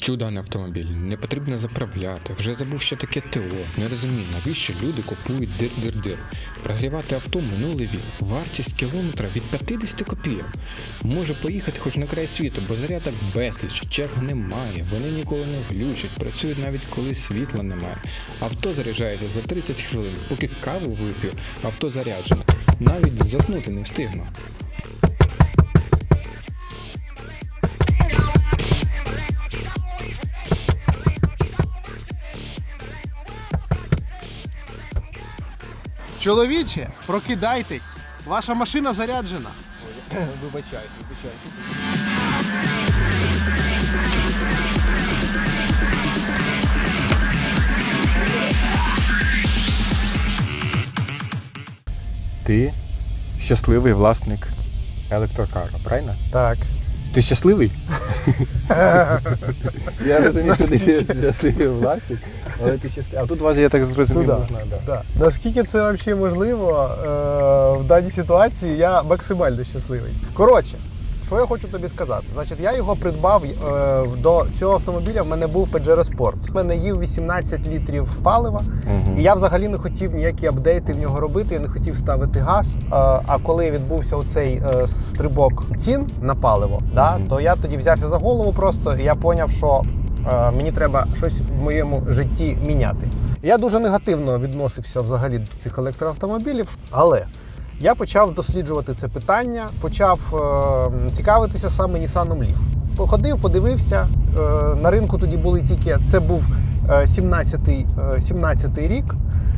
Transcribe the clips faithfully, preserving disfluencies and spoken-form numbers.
Чудо на автомобіль, не потрібно заправляти, вже забув, що таке ТО, не розумію, навіщо люди купують дир-дир-дир. Прогрівати авто минулий вік, вартість кілометра від п'ятдесят копійок. Може поїхати хоч на край світу, бо зарядок безліч, черг немає, вони ніколи не глючать, працюють навіть коли світла немає. Авто заряджається за тридцять хвилин, поки каву вип'ю, авто заряджене, навіть заснути не встигну. Чоловіче, прокидайтесь, ваша машина заряджена. Вибачайте, вибачайте. Ти щасливий власник електрокару, правильно? Так. Ти щасливий? Я розумію, що ти щасливий власник, але ти щасливий. А тут у вас, я так зрозумів, Туда. можна, да. Да. Наскільки це взагалі можливо е, в даній ситуації, я максимально щасливий. Коротше, що я хочу тобі сказати? Значить, я його придбав, е, до цього автомобіля в мене був Pajero Sport. В мене їв вісімнадцять літрів палива, Угу. і я взагалі не хотів ніякі апдейти в нього робити, я не хотів ставити газ. Е, а коли відбувся оцей е, стрибок цін на паливо, да, Мгм. то я тоді взявся за голову просто, і я зрозумів, що е, мені треба щось в моєму житті міняти. Я дуже негативно відносився взагалі до цих електроавтомобілів, але я почав досліджувати це питання, почав е, цікавитися саме Nissan Leaf. Походив, подивився, е, на ринку тоді були тільки, це був е, сімнадцятий, е, сімнадцятий рік.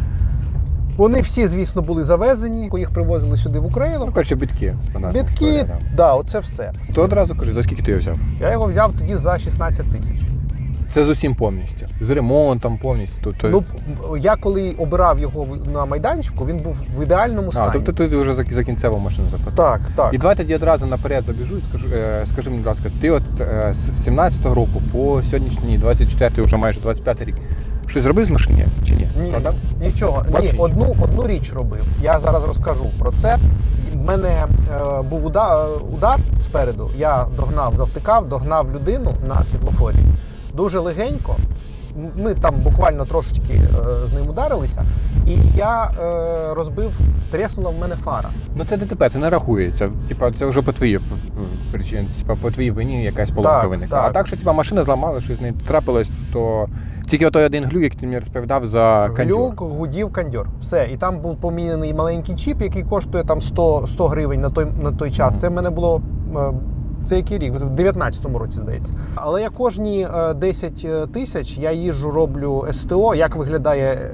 Вони всі, звісно, були завезені, їх привозили сюди в Україну. Ну, коротше, бітки стандартна Бітки, історія, так, да. да, оце все. То одразу кажу, за скільки ти його взяв? Я його взяв тоді за шістнадцять тисяч. Це з усім повністю. З ремонтом повністю. Тобто... Ну, я коли обирав його на майданчику, він був в ідеальному стані. А, тобто ти вже за, за кінцеву машину заплатив. Так, так. І давай тоді одразу наперед забіжу і скажу, е, скажи мені, будь ласка, ти от е, з сімнадцятого року по сьогоднішній двадцять четвертий, вже майже двадцять п'ятий рік, щось зробив з машини чи ні? Ні, Продав? нічого. Вообще Ні, одну, одну річ робив. Я зараз розкажу про це. У мене е, був удар, удар спереду. Я догнав, завтикав, догнав людину на світлофорі. Дуже легенько. Ми там буквально трошечки е, з ним ударилися. І я е, розбив, треснула в мене фара. Ну це ДТП, це не рахується. Типа це вже по твоїй причині, типа по твоїй вині якась поломка Так, виникла. так. А так, що типа машина зламала, щось з нею трапилось, то тільки той один глюк, як ти мені розповідав за кондьор. Глюк, гудів, кондьор. Все. І там був поміняний маленький чіп, який коштує там сто, сто гривень на той, на той час. Це в мене було... Е, Це який рік? В дев'ятнадцятому році, здається. Але я кожні десять тисяч я їжджу, роблю СТО. Як виглядає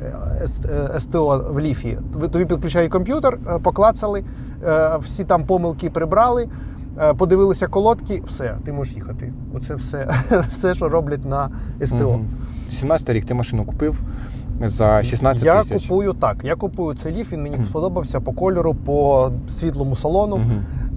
СТО в ліфі? Тобі підключають комп'ютер, поклацали, всі там помилки прибрали, подивилися колодки, все, ти можеш їхати. Оце все, все що роблять на СТО. Угу. сімнадцятий рік ти машину купив за шістнадцять я тисяч. Я купую так, я купую цей ліф, він мені угу. сподобався по кольору, по світлому салону. Угу.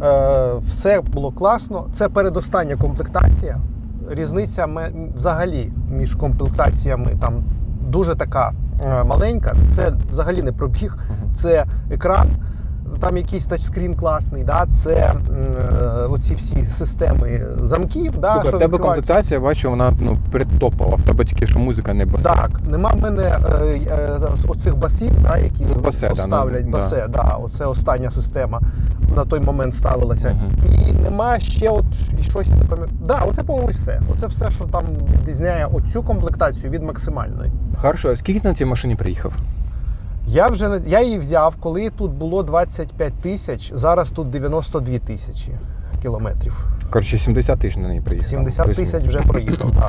Все було класно. Це передостання комплектація. Різниця взагалі між комплектаціями там дуже така маленька. Це взагалі не пробіг, це екран, там якийсь тачскрін класний, да? Це е, оці всі системи замків. Да, Супер, що в тебе комплектація, бачу, вона ну, предтопова, в тебе тільки що музика не басе. Так, нема в мене е, е, оцих басів, да, які ну, басе, поставлять, да, басе, да. Да, оце остання система на той момент ставилася. Угу. І нема ще от щось, я не пам'ятаю. Да, оце, по-моєму, все. Оце все, що там відрізняє оцю комплектацію від максимальної. Хорошо, а скільки ти на цій машині приїхав? Я вже я її взяв, коли тут було двадцять п'ять тисяч, зараз тут дев'яносто дві тисячі кілометрів. Коротше, сімдесят тисяч на неї приїхав. сімдесят тисяч вже проїхав, так.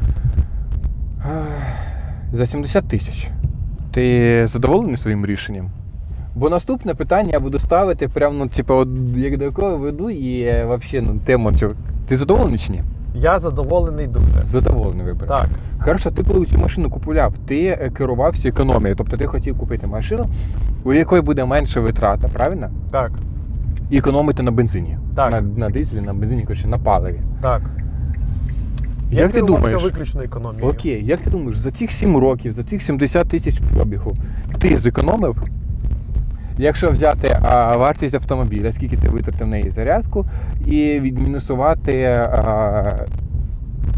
За сімдесят тисяч. Ти задоволений своїм рішенням? Бо наступне питання я буду ставити прямо, ну, типу, от, як до якого веду і взагалі, ну, тему цього. Ти задоволений чи ні? Я задоволений дуже. Задоволений вибір. Так. Хорошо, ти коли цю машину купував, ти керувався економією, тобто ти хотів купити машину, у якої буде менше витрата, правильно? Так. І економити на бензині. Так. На, на дизелі, на бензині, коротше, на паливі. Так. Як я ти думаєш? виключно економією. Окей, як ти думаєш, за цих сім років, за цих сімдесят тисяч пробігу, ти зекономив? Якщо взяти а, вартість автомобіля, скільки ти витратив на її зарядку, і відмінусувати а,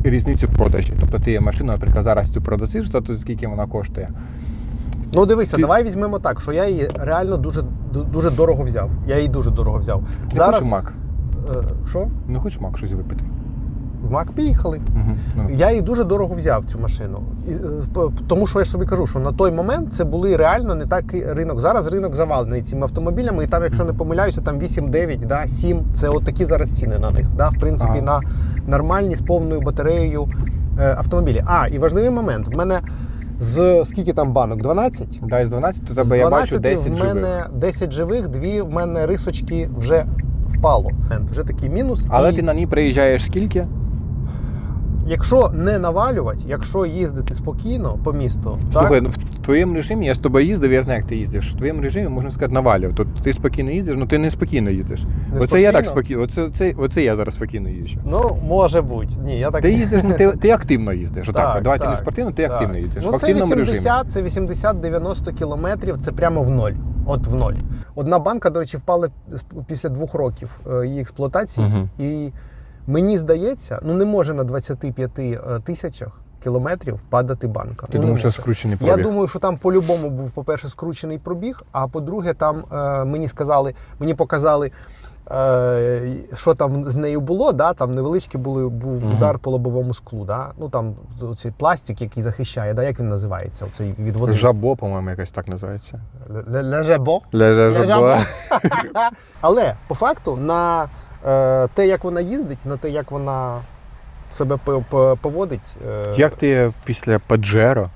різницю в продажі. Тобто ти машину, наприклад, зараз цю продасиш за те, скільки вона коштує. Ну дивися, Ти- давай візьмемо так, що я її реально дуже, дуже дорого взяв. Я її дуже дорого взяв. Не хочеш мак? Е, Що? Не хочеш мак щось випити? В Мак поїхали. Угу. Ну. Я її дуже дорого взяв, цю машину. І, е, п- тому що я ж собі кажу, що на той момент це були реально не такий ринок. Зараз ринок завалений цими автомобілями, і там, якщо не помиляюся, там вісім дев'ять, да, сім. Це от такі зараз ціни на них. Да, в принципі, Ага. на нормальні з повною батареєю е, автомобілі. А, і важливий момент. В мене з скільки там банок? дванадцять? Дай з дванадцяти, то З тебе я бачу дванадцяти десять в мене живих. десять живих, дві в мене рисочки вже впало. Вже такий мінус. Але І ти на ній приїжджаєш скільки? якщо не навалювати, якщо їздити спокійно по місту, Слухай, так? ну в твоєму режимі, я з тобою їздив, я знаю, як ти їздиш. В твоєму режимі, можна сказати, навалював. Тобто ти спокійно їздиш, ну ти не спокійно їздиш. Не Оце я так спокійно? спокійно, оце, оце, оце я зараз спокійно їжджу. Ну, може бути. Ні, я так Ти їздиш, ну ти, ти активно їздиш. Отак, Так, от. Давайте не так, спортивно, ти так. активно їздиш. Ну, в активному це режимі. вісімдесят, це вісімдесят-дев'яносто кілометрів, це прямо в ноль. От в ноль. Одна банка, до речі, впала після двох років е, її експлуатації. Мгм. І мені здається, ну не може на двадцяти п'яти тисячах кілометрів падати банка. Ти Ну, не думаєш, що може. скручений Я пробіг? думаю, що там по-любому був, по-перше, скручений пробіг, а по-друге, там е, мені сказали, мені показали, е, що там з нею було. Да? Там невеличкий були, був Мгм. удар по лобовому склу. Да? Ну там цей пластик, який захищає, да? Як він називається? Оцей від води. Жабо, по-моєму, якось так називається. Лежебо. Ля жабо. Але по факту на е, те, як вона їздить, на те, як вона себе по- по- поводить. Е, Як ти після Паджеро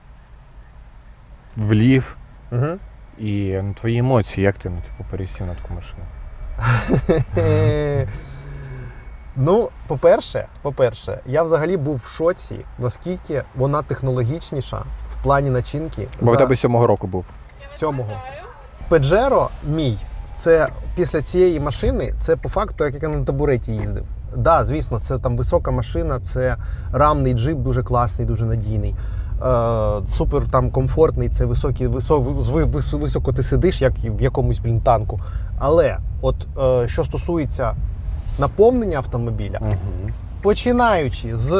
влів Угу. і ну, твої емоції, як ти ну, типу, пересів на таку машину? Ну, по-перше, по-перше, я взагалі був в шоці, наскільки вона технологічніша в плані начинки. Бо в за тебе сьомого року був. сьомого. Peugeot мій, це після цієї машини, це по факту, як я на табуреті їздив. Так, да, звісно, це там висока машина, це рамний джип, дуже класний, дуже надійний. Е, супер там комфортний, це високий, висок, високо, високо ти сидиш, як в якомусь блін, танку. Але от е, що стосується наповнення автомобіля, Угу. починаючи з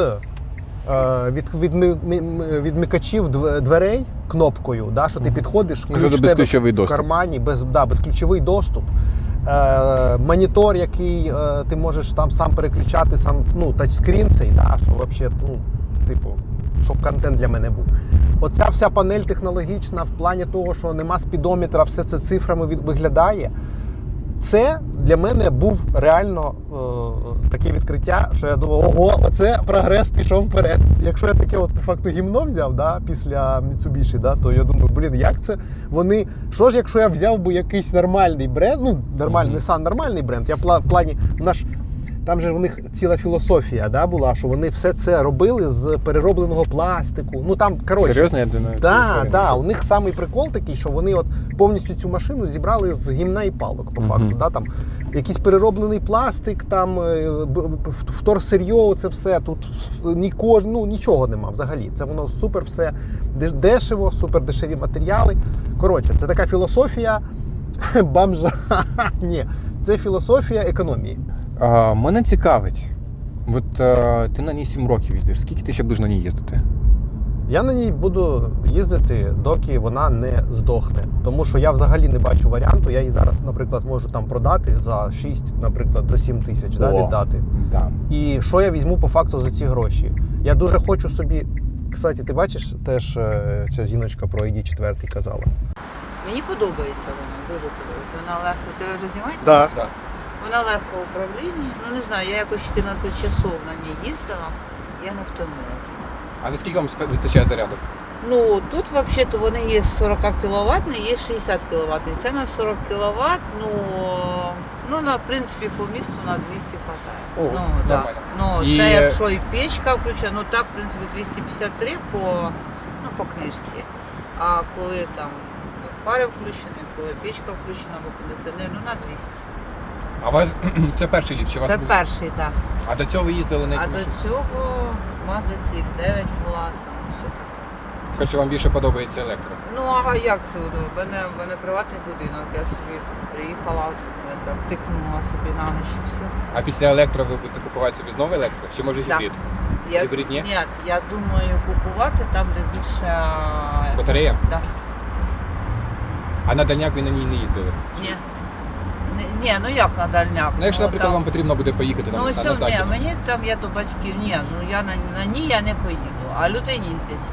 е, від, від, відмикачів дв- дверей кнопкою, да, що ти підходиш, Ну, ключ це в тебе безключовий в доступ. кармані, без, да, безключовий доступ. Е, монітор, який е, ти можеш там сам переключати, сам, ну, тачскрін цей, да, що взагалі, ну, типу, щоб контент для мене був. Оця вся панель технологічна в плані того, що нема спідометра, все це цифрами від, виглядає. Це для мене був реально е, таке відкриття, що я думав, ого, оце прогрес пішов вперед. Якщо я таке от по факту гімно взяв, да, після Mitsubishi, да, то я думаю, блін, як це вони. Що ж, якщо я взяв би якийсь нормальний бренд, ну, нормальний, Мгм. Nissan нормальний бренд, я пла- в плані, наш, там же в них ціла філософія, да, була, що вони все це робили з переробленого пластику. Ну там, коротше. Серйозно, я думаю, цю Так, історію да, не у них самий прикол такий, що вони от повністю цю машину зібрали з гімна і палок, по Мгм. факту. Да, там якийсь перероблений пластик, там е, б- б- вторсир'йо, це все. Тут ніко, ну, нічого нема взагалі. Це воно супер все деш- дешево, супер дешеві матеріали. Коротше, це така філософія бомжа. Ні, це філософія економії. А, мене цікавить. От а, ти на ній сім років їздиш. Скільки ти ще будеш на ній їздити? Я на ній буду їздити, доки вона не здохне. Тому що я взагалі не бачу варіанту. Я її зараз, наприклад, можу там продати за шість, наприклад, за сім тисяч, да, О. віддати. Да. І що я візьму по факту за ці гроші? Я дуже хочу собі. Кстати, ти бачиш, теж е, ця жіночка про ай ді чотири казала. Мені подобається вона, дуже подобається. Вона легко, це ви вже знімаєте? Да. Да. Вона легко в управлінні. Ну не знаю, я якось чотирнадцять часов на ній їздила, я не втомилася. А наскільки вам вистачає заряду? Ну тут взагалі-то вони є сорок кіловатні, є шістдесят кіловатні. Це на сорок кіловат, ну, ну на, в принципі, по місту на двісті хватає. О, ну, да. нормально. Ну, І- це якщо і печка включена, ну так, в принципі, двісті п'ятдесят три по, ну, по книжці. А коли там фари включені, коли печка включена, або кондиціонер, ну на двісті. А у вас це перший літ? Чи у вас Це був? перший, так. А до цього ви їздили на А якій до машині? цього Mazda ці ікс дев'ять була, там все таке. Коротше, вам більше подобається електро. Ну а як це? Ну, в мене, в мене приватний будинок, я собі приїхала, е, так, тикнула собі на ніч і все. А після електро ви будете купувати собі знову електро? Чи може Да. гібрид? Я, Гібридні? ні, я думаю купувати там, де більше... Батарея? Да. А на дальняк ви на ній не їздили? Ні. Ні, ні, ну як на дальняк? Ну, якщо, наприклад, там- вам потрібно буде поїхати там, Ну на, ось на ні, захід. мені там я до батьків, ні, ну я на, на ній я не поїду, а люди їздять.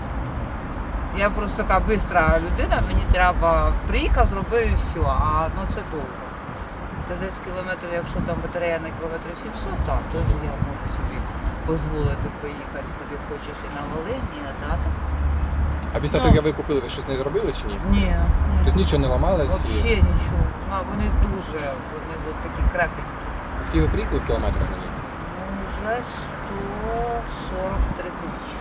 Я просто така бистра людина, мені треба приїхав, зробив і все, а ну це довго. Це десь кілометрів, якщо там батарея на кілометрів сімсот, так, то я можу собі дозволити поїхати, куди хочеш і на Волині, а так. А після Ну. того, як ви купили, ви щось не зробили чи ні? Ні, Тобто ні. нічого не ламалось? і- Взагалі нічого. А вони дуже, вони от такі крепенькі. Скільки ви приїхали в кілометрах на ній? Ну, вже сто сорок три тисячі.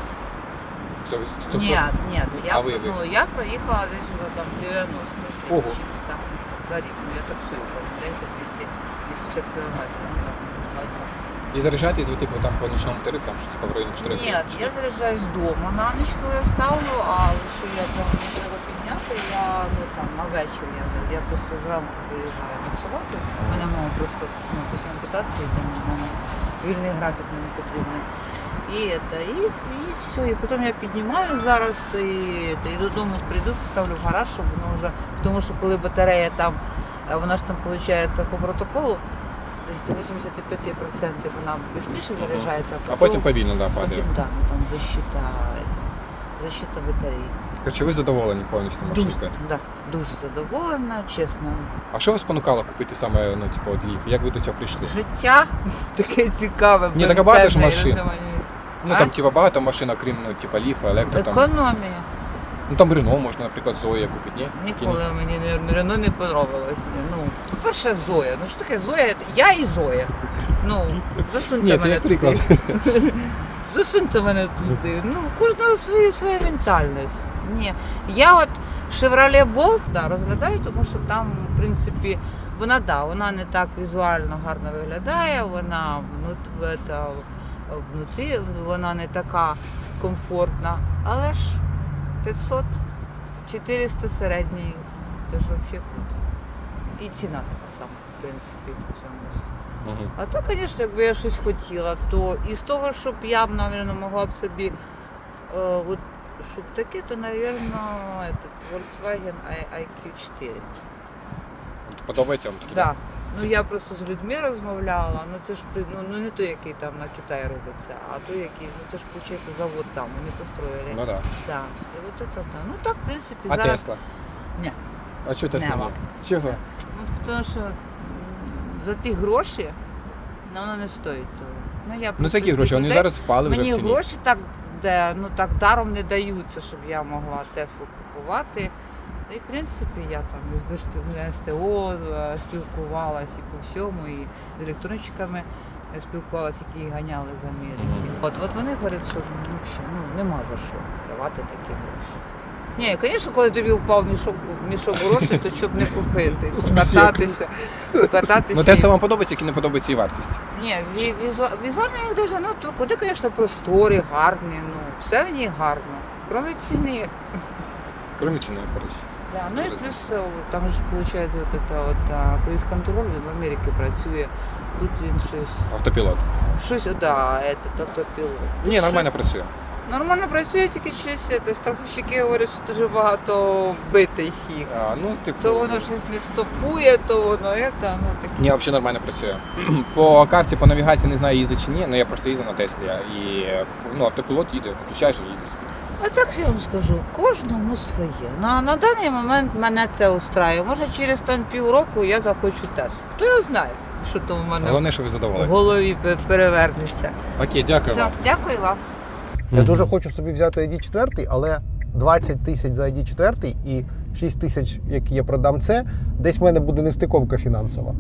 Це ви сто Ні, ні, я, А ви- ви? ну, я проїхала десь вже там дев'яносто тисяч. Ого. Так, за рік. Ну я таксую кожен день по двісті п'ятдесят кілометрів. ну, так, два дні. І заряджаєтесь ви типу там по нічному тарифу, там щось по районі чотири. Ні, я заряджаюсь вдома на ніч, коли я ставлю, а якщо я там не треба підняти, я ну там на вечір я, я просто зранку виїжджаю таксувати. У мене мама просто ну, після ампутації, там в мене вільний графік мені потрібний. І, это, і, і все, і потім я піднімаю зараз і, это, і додому прийду, поставлю в гараж, щоб воно вже, тому що коли батарея там, е, вона ж там виходить по протоколу, десь до вісімдесят п'ять відсотків вона швидше заряджається, А потім повільно, да, падає. потім, да, ну, там защита, это, защита батареї. Короче, ви задоволені повністю Дуже, машинкою? да, дуже задоволена, чесно. А що вас спонукало купити саме, ну, типу, от Ліф? Як ви до цього прийшли? Життя таке цікаве. Ні, так а багато ж безпечне, машин. розумію. Ну А? там типу багато машин, окрім, ну, типу, Ліфа, електро, там. Економія. Ну там Рено можна, наприклад, Зоя купити, ні? Ніколи мені не- Рено не подобалось. Ну, по-перше, Зоя. Ну що таке Зоя? Я і Зоя. Ну, засуньте Ні, це мене як приклад. туди. Засуньте мене туди. Ну, у кожного своя, своя ментальність. Ні. Я от Chevrolet Bolt да, розглядаю, тому що там, в принципі, вона да, вона не так візуально гарно виглядає, вона внут- это, внутрі, вона не така комфортна. Але ж п'ятсот чотириста середній, це ж взагалі круто. І ціна така сама, в принципі, в цьому. Мгм. А то, звісно, якби я щось хотіла, то із того, щоб я, мабуть, могла б собі, е, от, щоб таке, то, мабуть, этот, Volkswagen ай кью чотири. Подобається вам такі? Да. Ну я просто з людьми розмовляла, ну це ж при- ну, ну не той, який там на Китаї робиться, а той, який, ну це ж виходить завод там, вони построїли. Ну так. Да. І от це, да. Ну так, в принципі, А зараз. Тесла? Ні. А що Тесла? Нема. ні? Чого? Ну, тому що м, за ті гроші ну, воно не стоїть того. Ну, я Ну просто це які з гроші? тих Вони людей- зараз впали вже Мені в ціні. гроші так, де, ну, так даром не даються, щоб я могла Теслу купувати. Ну, і в принципі я там і з ес те о е, спілкувалась і по всьому, і з електрончиками е, спілкувалась, які ганяли з Америки. Мгм. От, от вони говорять, що ну, взагалі, ну, нема за що давати такі гроші. Ні, звісно, коли тобі впав мішок, мішок грошей, то щоб не купити, покататися, покататися. Ну Тесла вам подобається, які не подобається і вартість? Ні, ві- візу- візуально їх дуже, ну, то куди, звісно, просторі, гарні, ну, все в ній гарно. Крім ціни. Крім ціни, коротше. Да, ну і Зрозуміло. плюс е, там ж виходить от это от а, круїз-контроль, він в Америці працює, тут він щось, Автопілот. щось, да, этот автопілот. Тут Ні, нормально щось- працює. Нормально працює, тільки щось, это, страховщики говорять, що дуже багато битих їх. А, ну, типу... То воно щось не стопує, то воно это, ну таке. Ні, взагалі нормально працює. По карті, по навігації не знаю, їздить чи ні, але я просто їздив на Теслі. І ну, автопілот їде, включаєш і їде собі. А так я вам скажу, кожному своє. На, на даний момент мене це устраює. Може через там півроку я захочу теж. Хто його знає, що там у мене Головне, що ви в задоволені. голові пе- перевернеться. Окей, дякую Все, вам. дякую вам. Я дуже хочу собі взяти ай ді чотири, але двадцять тисяч за ай ді чотири і шість тисяч, які я продам це, десь в мене буде нестиковка фінансова.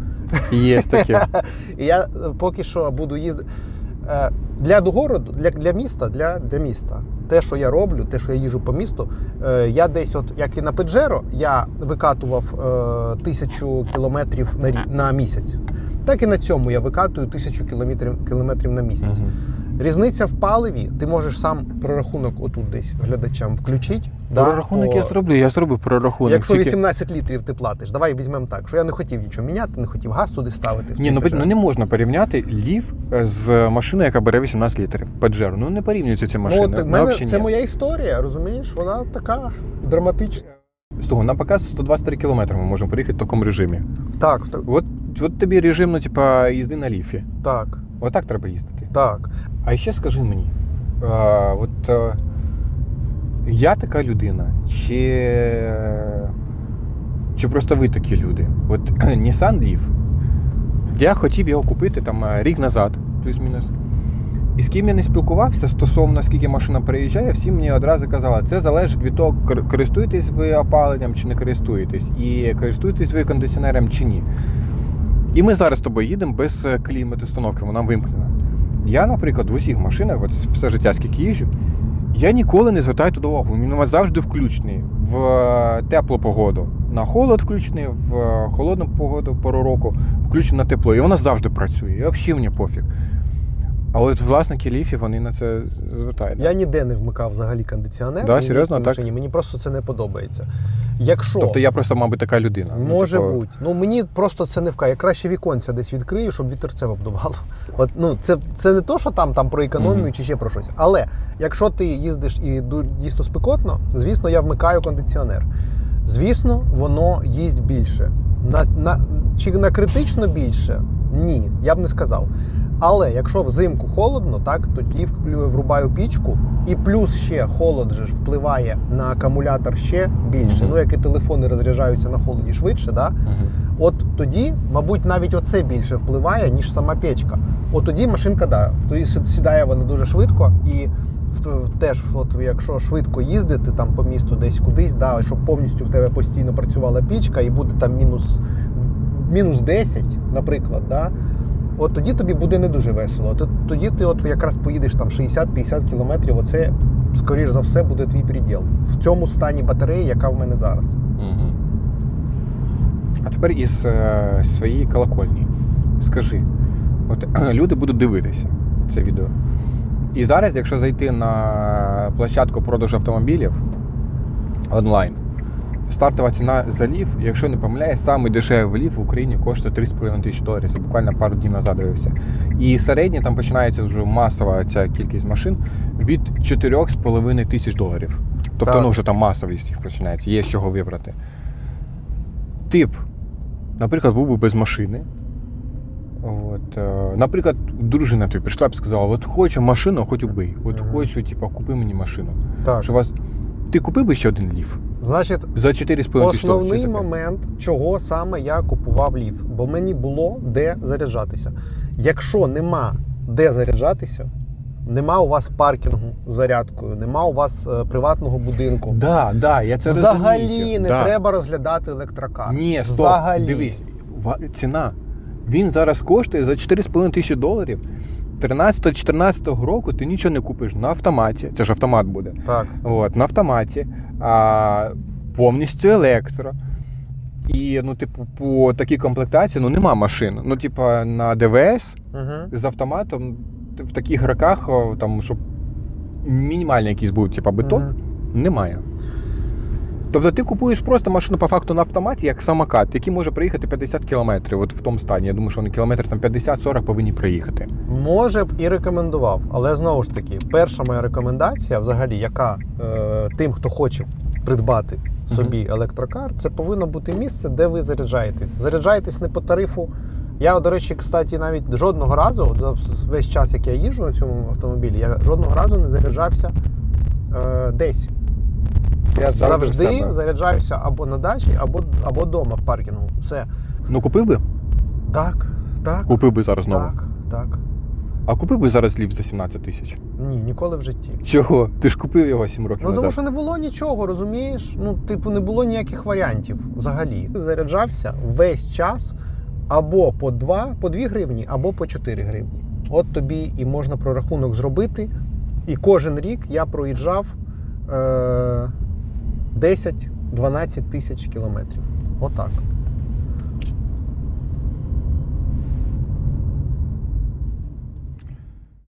Є таке. І я е, поки що буду їздити. Е, Для городу, для, для міста, для, для міста. Те, що я роблю, те, що я їжджу по місту, е, я десь, от як і на Pajero, я викатував е, тисячу кілометрів на, рі- на місяць. Так і на цьому я викатую тисячу кілометрів, кілометрів на місяць. Мгм. Різниця в паливі, ти можеш сам прорахунок отут десь глядачам включити. Прорахунок по... я зроблю, я зроблю прорахунок. Якщо Тільки- вісімнадцять літрів ти платиш, давай візьмемо так, що я не хотів нічого міняти, не хотів газ туди ставити. в Ні, цей ну, Peugeot. ну не можна порівняти Лів з машиною, яка бере вісімнадцять літрів. Паджеро. Ну не порівнюються ці машини. Ну, от, в Ну, мене, взагалі це ні. моя історія, розумієш? Вона така драматична. З того, нам показує сто двадцять три кілометри ми можемо проїхати в такому режимі. Так, так, От, от тобі режим, ну, типа, їзди на Ліфі. так, Отак треба їздити. так. А ще скажи мені, а, от а, я така людина, чи, чи просто ви такі люди? От Nissan Leaf, я хотів його купити там рік назад, плюс-мінус. І з ким я не спілкувався стосовно скільки машина переїжджає, всі мені одразу казали, це залежить від того, кор- користуєтесь ви опаленням чи не користуєтесь, і користуєтесь ви кондиціонером чи ні. І ми зараз з тобою їдемо без клімат-установки, вона вимкнена. Я, наприклад, в усіх машинах, от все життя, скільки їжджу, я ніколи не звертаю туди увагу. Він у вас завжди включений в теплу погоду. На холод включений, в холодну погоду, пору року, включений на тепло. І вона завжди працює. І взагалі мені пофіг. А от власники Ліфі, вони на це звертають. Я ніде не вмикав взагалі кондиціонер. Да, ні в серйозно, якій так? машині. Мені просто це не подобається. Якщо... Тобто я просто, мабуть, така людина. Ну, Може типу, бути. Ну мені просто це не вкає. Я краще віконця десь відкрию, щоб вітерце обдувало. От, ну, це, це не то, що там, там про економію Мгм. чи ще про щось. Але якщо ти їздиш і ду- дійсно спекотно, звісно, я вмикаю кондиціонер. Звісно, воно їсть більше. На, на, чи на критично більше? Ні, я б не сказав. Але якщо взимку холодно, так, тоді вклю- врубаю пічку, і плюс ще холод же ж впливає на акумулятор ще більше. Мгм. Ну, як і телефони розряджаються на холоді швидше, да? Мгм. От тоді, мабуть, навіть оце більше впливає, ніж сама печка. От тоді машинка, да, тоді сі- сідає вона дуже швидко, і в- теж, от, якщо швидко їздити там по місту десь кудись, да, щоб повністю в тебе постійно працювала пічка і буде там мінус, мінус десять, наприклад, да, от тоді тобі буде не дуже весело. Т- Тоді ти от якраз поїдеш там шістдесят-п'ятдесят кілометрів, оце, скоріш за все, буде твій приділ. В цьому стані батареї, яка в мене зараз. Мгм. А тепер із е, своєї колокольні. Скажи, от люди будуть дивитися це відео. І зараз, якщо зайти на площадку продажу автомобілів онлайн, стартова ціна за Лів, якщо не помиляюсь, самий дешевий Лів в Україні коштує три з половиною тисячі доларів. Це буквально пару днів назад дивився. І середній там починається вже масова ця кількість машин від чотири з половиною тисяч доларів. Тобто, Так. ну вже там масовість їх починається, є з чого вибрати. Тип, наприклад, був би без машини. От, е, наприклад, дружина тобі прийшла б і сказала, от хочу машину, хоч убий. От Мгм. хочу, типу, купи мені машину. Так. Що вас... Ти купив би ще один Лів? Значить, За чотири з половиною тисячі доларів? основний чи за п'ять? момент, чого саме я купував Лів, бо мені було де заряджатися. Якщо нема де заряджатися, нема у вас паркінгу з зарядкою, нема у вас е, приватного будинку. Да, да, я це Взагалі розумію. не Да. треба розглядати електрокар. Ні, стоп, Взагалі. дивись, ва- ціна. Він зараз коштує за чотири з половиною тисячі доларів. тринадцятого-чотирнадцятого року ти нічого не купиш на автоматі. Це ж автомат буде. Так. От, на автоматі, а, повністю електро. І, ну, типу, по такій комплектації, ну, нема машин. Ну, типу, на ДВС Угу. з автоматом в таких роках, о, там, щоб мінімальний якийсь був, типу, биток, Мгм. немає. Тобто ти купуєш просто машину по факту на автоматі, як самокат, який може проїхати п'ятдесят кілометрів, от в тому стані. Я думаю, що вони кілометр там п'ятдесят-сорок повинні проїхати. Може б і рекомендував, але знову ж таки, перша моя рекомендація, взагалі, яка е, тим, хто хоче придбати собі електрокар, це повинно бути місце, де ви заряджаєтесь. Заряджаєтесь не по тарифу. Я, до речі, кстати, навіть жодного разу, за весь час, як я їжджу на цьому автомобілі, я жодного разу не заряджався е, десь. Я Завжди в завжди себе. заряджаюся або на дачі, або, або вдома в паркінгу. Все. Ну, купив би? Так, так, Купив би зараз знову. так, так. А купив би зараз Лів за сімнадцять тисяч? Ні, ніколи в житті. Чого? Ти ж купив його сім років Ну, тому назад. що не було нічого, розумієш? Ну, типу, не було ніяких варіантів взагалі. Заряджався весь час або по два, по дві гривні, або по чотири гривні. От тобі і можна прорахунок зробити. І кожен рік я проїжджав е- десять-дванадцять тисяч кілометрів. Отак.